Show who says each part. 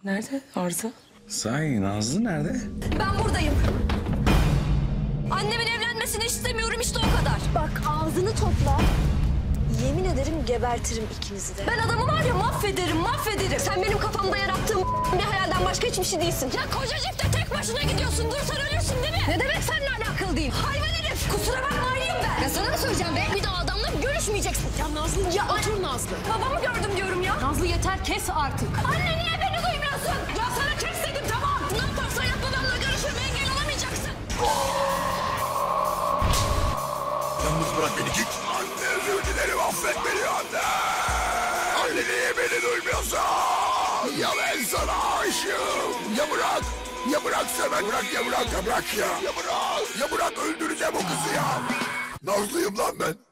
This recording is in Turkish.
Speaker 1: Nerede Arzu?
Speaker 2: Sahi Nazlı nerede?
Speaker 3: Ben buradayım. Annemin evlenmesini istemiyorum işte o kadar.
Speaker 4: Bak ağzını topla. Yemin ederim gebertirim ikinizi de.
Speaker 3: Ben adamı var ya mahvederim. Sen benim kafamda yarattığım bir hayalden başka hiçbir şey değilsin. Ya kocacıkta tek başına gidiyorsun. Dursan ölürsün değil mi? Ne demek seninle alakalı değil? Hayvan herif. Kusura bakma ayrıyım ben. Ya sana mı söyleyeceğim be? Bir daha adamla görüşmeyeceksin.
Speaker 5: Ya Nazlı, ya otur Nazlı.
Speaker 3: Babamı gördüm diyorum ya.
Speaker 5: Nazlı yeter, kes artık.
Speaker 3: Anne niye beni duymuyorsun? Ya sana kes dedim tamam. Ne yaparsan yap babamla görüşmeme engel olamayacaksın.
Speaker 2: Yalnız bırak beni git. Anne özür dilerim affet beni anne. Anne niye beni duymuyorsun? Ya ben sana aşığım. Ya bırak. Ya bırak Semen bırak ya bırak ya bırak ya. Ya bırak. Ya bırak öldüreceğim o kızı ya. Nazlıyım lan ben.